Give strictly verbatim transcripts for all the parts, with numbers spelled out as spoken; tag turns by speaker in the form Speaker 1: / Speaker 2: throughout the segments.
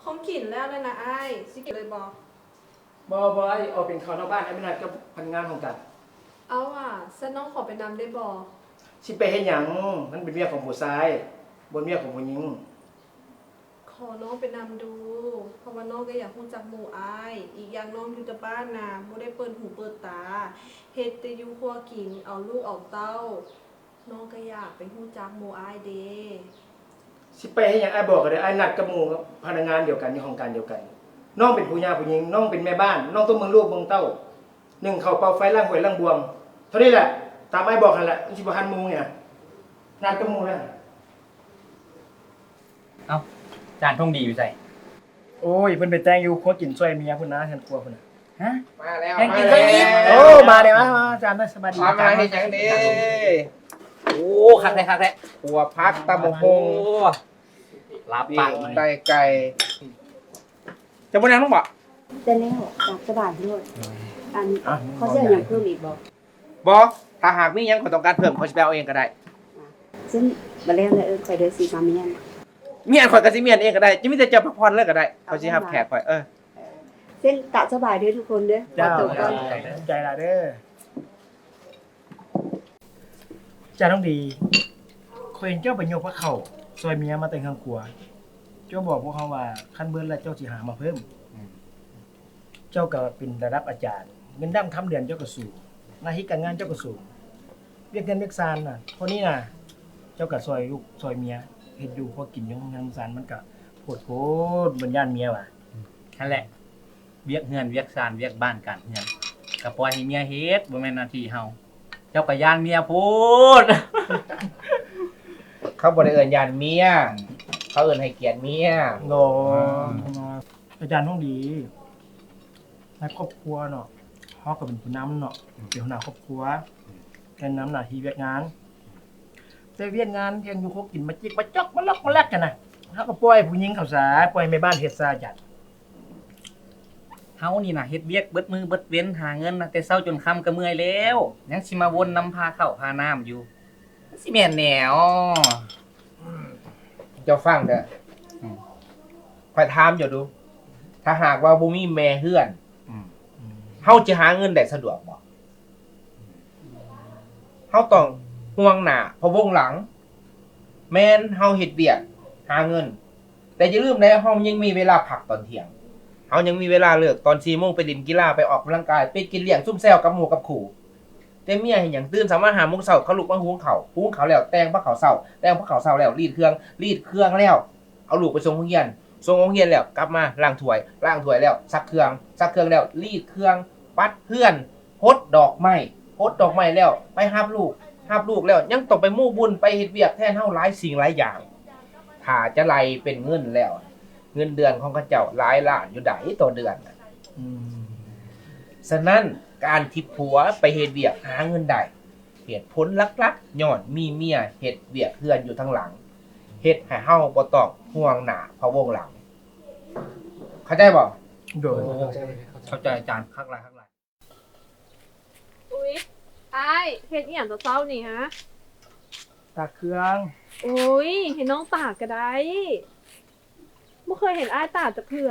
Speaker 1: ของกินแล้วเลยนะไอ้ายสิกินเลยบอก
Speaker 2: บอบอยออกเป็นข้าวนอกบ้านไอ้ไม่นัดกับพนักงานของกัน
Speaker 1: เอาว่ะเส้นน้องขอไปนำได้บอ
Speaker 2: สิไปเฮ็ดหยังมันเป็นเมียของผู้ชายบนเมียของผู้หญิง
Speaker 1: ขอน้องไปนำดู เพราะว่าน้องก็อยากรู้จักหมู่อาย อีกอย่างน้องอยู่แต่บ้านนะบ่ได้เปิดหูเปิดตาเฮ็ดแต่อยู่ครัวกินเอาลูกเอาเต้า น้องก็อยากไปรู้จักหมู่อายเด้
Speaker 2: สิไปเฮ็ดหยังไอ้บอกก็ได้ไอ้นัดกับหมู่พนักงานเดียวกันในโครงการเดียวกันน้องเป็นผู้หญิงผู้หญิงน้องเป็นแม่บ้านน้องต้องเมืองลูกเมืองเต้าหนึ่งเข้าเป่าไฟล่างหวยล่างบวงเท่านี้แหละตามไอ้บอกนั่นแหละมันสิบ่ทันหมู่เนี่ยนัดกับหมู่แล้ว
Speaker 3: เอ้าจานทงดีอยู่ใส่
Speaker 2: โอ้ยเพิ่นไปแต่งอยู่ครัวกินช่วยเมียพุ่นนะฉันกลัวพุ่นน่ะ
Speaker 3: ฮะ
Speaker 4: มาแล้ว
Speaker 3: ยังกิน
Speaker 4: มา
Speaker 3: ไม่อิ่ม
Speaker 4: แล้ว
Speaker 2: โอ้มาเลยมามาอาจารย์น่าสบายดี
Speaker 4: มามาเฮ็ดหยังเด้
Speaker 3: โอ้คักแท้คักแท้
Speaker 4: หัวพักตำบักห
Speaker 3: โอ้
Speaker 4: ง
Speaker 3: รับ
Speaker 4: ปี
Speaker 3: ปาก
Speaker 4: ก
Speaker 3: มัน
Speaker 4: ไก่ไก่จะบ่นั่งต้องบ่
Speaker 5: แต่แล้วจากสบายด้วยอันเขาเสียอย่างเพิ่มอีกบอก
Speaker 4: บ่ถ้าหากมีหยังขอต้องการเพิ่มเขาสิไปเอาเองก็ได้
Speaker 5: ซึ่งมาแล้วเลยเออคอยเดินสีมาเมียน
Speaker 4: เมียนข่อยก็สิเมียนเองก็ได้จะมีแต่เจ้าพักผ่อนเลยก็ได้เขาสิรับแขกข่อยเออ
Speaker 5: เส้นตะสบายด้วยทุกคนเด้อ
Speaker 2: เจ้า
Speaker 5: ขอตัวก่อน
Speaker 2: ใจละเด้อจ้าต้องดีเคยเห็นเจ้าไปยกพระเข่าซอยเมียมาแต่งข้างครัว เจ้าบอกพวกเขาว่าขั้นเบิ้ลแล้วเจ้าสิหามาเพิ่ม เจ้าก็เป็นระดับอาจารย์ เงินด้ามคำเดือนเจ้าก็สูงหน้าที่การงานเจ้าก็สูงเรียกเงินเรียกซานน่ะเพราะนี่น่ะ เจ้าก็ซอยลูกซอยเมียเฮ็ดอยู่พอกินอยังงานซานมันก็โพดโพดบรรยานเมียว่ะ
Speaker 3: นั่นแหละเวียกเฮือนเวียกซานเวียกบ้านกันเฮือนก็ปล่อยให้เมียเฮ็ดบ่แม่นหน้าที่เฮาเจ้าก็ย่านเมียพูด
Speaker 4: เขาบ่ได้เอิ้นยานเมียเขาเอิ้นให้เกียรติเมีย
Speaker 2: โนอาจารย์ต้องดีในครอบครัวเนาะเฮาก็เป็นผู้นำเนาะเป็นหัวหน้าครอบครัวแกนนำหน้าที่เวียกงาน แต่เวียกงานยังอยู่คบกินมาจิกมาจอกมาล็อกมาแลกกันน่ะเฮาก็ปล่อยผู้หญิงเข้าสาปล่อยแม่บ้านเฮ็ดซาจัด
Speaker 3: เฮานี่น่ะเฮ็ดเวียกเบิดมือเบิดเว้นหาเงินนะแต่เช้าจนค่ำก็เมื่อยแล้วยังสิมาวนนำพาข้าวพาน้ำอยู่มันสิแม่นแนว
Speaker 4: เจ้าฟังเด้ออืมข่อยถามอยู่ดู ถ้าหากว่าบ่มีแม่เฮือน
Speaker 3: อืม
Speaker 4: เฮาจะหาเงินได้สะดวกบ่เฮาต้องห่วงหน้าเพราะวงหลัง แม่นเฮาเฮ็ดเวียกหาเงิน แต่อย่าลืมนะเฮายังมีเวลาพักตอนเที่ยงเฮายังมีเวลาเลิกตอนสี่โมงไปเล่นกีฬาไปออกกำลังกายไปกินเลี้ยงซุ่มแซวกับหมู่กับขู่แต่เมียเฮ็ดหยังตื่นสามารถหาโมงเช้าเขาลุกมาหุงข้าวหุงข้าวแล้วแต่งผ้าขาวเช้าแต่งผ้าขาวเช้าแล้วรีดเครื่องรีดเครื่องแล้วเอาลูกไปส่งโรงเรียนส่งโรงเรียนแล้วกลับมาล้างถ้วยล้างถ้วยแล้วซักเครื่องซักเครื่องแล้วรีดเครื่องปัดเพื่อนโพดดอกไม้โพดดอกไม้แล้วไปหาลูกหาลูกแล้วยังต้องไปมู่บุญไปเฮ็ดเวียกแทนเฮาหลายสิ่งหลายอย่างถ้าจะไล่เป็นเงินแล้ว เงินเดือนของเขาเจ้าหลายล้านอยู่ไดต่อเดือนน่ะ
Speaker 2: อืม
Speaker 4: ฉะนั้นการที่ผัวไปเฮ็ดเวียกหาเงินได้เหตุผลหลักๆย้อนมีเมียเฮ็ดเวียกเฮือนอยู่ทางหลังเฮ็ดให้เฮาบ่ต้องห่วงหน้าเพราะวงหลัง เข้าใจบ่
Speaker 2: โดย
Speaker 3: เข้าใจอาจารย์คักหลายคักหลาย
Speaker 1: อุ๊ยไอ้ายเฮ็ดอีหยังตัวเศร้านี่ฮะ
Speaker 2: ตากเครื่อง
Speaker 1: โอ้ยเห็นน้องตากก็ได้ไม่เคยเห็นอ้ายตากจะเพื่อ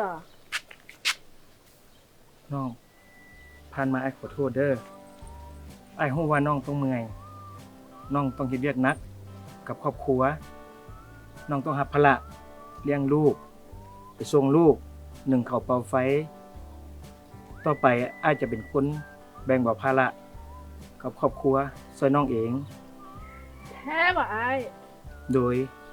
Speaker 2: น้องผ่านมาไอ้ขอโทษเด้อไอ้ฮู้ว่าน้องต้องเมื่อยน้องต้องเฮ็ดเวียกหนักกับครอบครัวน้องต้องรับภาระเลี้ยงลูกไปส่งลูกหนึ่งข้าวเป่าไฟ ต่อไปอ้ายจะเป็นคนแบ่งเบาภาระกับครอบครัวช่วยน้องเอง
Speaker 1: แท้บ่อ้าย
Speaker 2: โดย